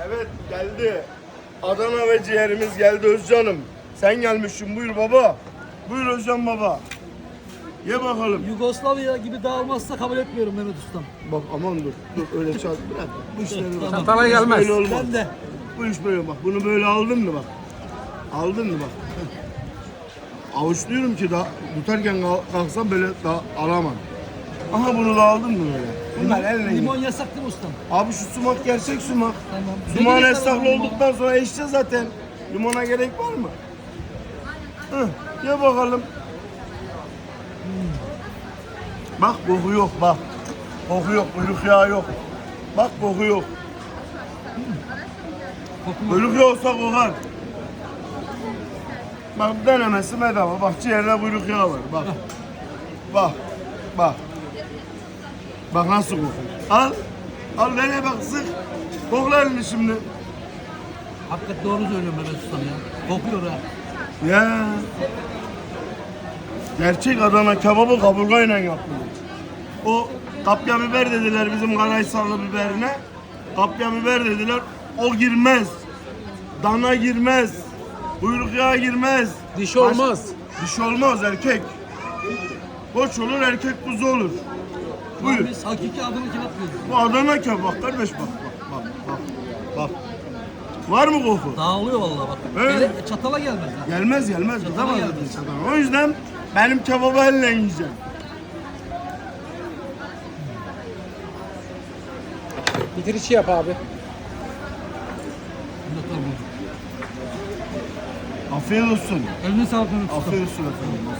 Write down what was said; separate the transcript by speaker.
Speaker 1: Evet geldi. Adana ve ciğerimiz geldi Özcan'ım. Sen gelmişsin buyur baba. Buyur Özcan baba. Ye bakalım.
Speaker 2: Yugoslavya gibi dağılmazsa kabul etmiyorum Mehmet Ustam.
Speaker 1: Bak aman dur. Dur öyle çarp. Bırak. Bu işleri bak.
Speaker 3: Çatala
Speaker 1: Bu iş
Speaker 3: gelmez.
Speaker 1: böyle olmaz.
Speaker 2: Ben de.
Speaker 1: Bu iş böyle bak. Bunu böyle aldın mı bak. Aldın mı bak. Avuçluyorum ki da tutarken kalksam böyle da alamam. Aha bunu da aldın mı böyle? Bunlar elle
Speaker 2: Limon
Speaker 1: yiyor.
Speaker 2: yasak değil mi ustam?
Speaker 1: Abi şu sumak gerçek sumak.
Speaker 2: Tamam.
Speaker 1: Sumağın
Speaker 2: Ne gerek var
Speaker 1: esnaflı
Speaker 2: limon?
Speaker 1: olduktan sonra eşeceğiz zaten. Limona gerek var mı? Hı, ye bakalım. Bak koku yok bak. Koku yok, kuyruk yağı yok. Bak koku yok. Kuyruk yağı olsa kokar. Bak denemesi bedava. Bak ciğerde kuyruk yağı var. Bak. Bak. Bak. Bak nasıl kokuyor. Al. Al nereye bak sık. Kokla elini şimdi.
Speaker 2: Hakikaten doğru söylüyorum Mehmet Ustam ya. Kokuyor ha.
Speaker 1: Ya. Gerçek Adana kebabı kaburgayla yapılır. O kapya biber dediler bizim Karaysallı biberine. Kapya biber dediler. O girmez. Dana girmez. Kuyruk yağı girmez.
Speaker 3: Diş olmaz.
Speaker 1: Diş olmaz erkek. Koç olur erkek kuzu olur. Buyur.
Speaker 2: Biz hakiki Adana kebap yiyoruz.
Speaker 1: Bu Adana kebap kardeş bak bak bak bak. Bak. Var mı koku?
Speaker 2: Dağılıyor vallahi bak.
Speaker 1: Evet.
Speaker 2: Ele, çatala gelmez ha.
Speaker 1: Gelmez gelmez.
Speaker 2: Çatala
Speaker 1: Gidemez
Speaker 2: gelmez.
Speaker 1: dedi çatala. O yüzden benim kebabı elle yiyeceğim.
Speaker 3: Bitirişi yap abi.
Speaker 2: Mehmet Ustam.
Speaker 1: Afiyet olsun.
Speaker 2: Eline sağlık Mehmet Ustam.
Speaker 1: Afiyet olsun efendim.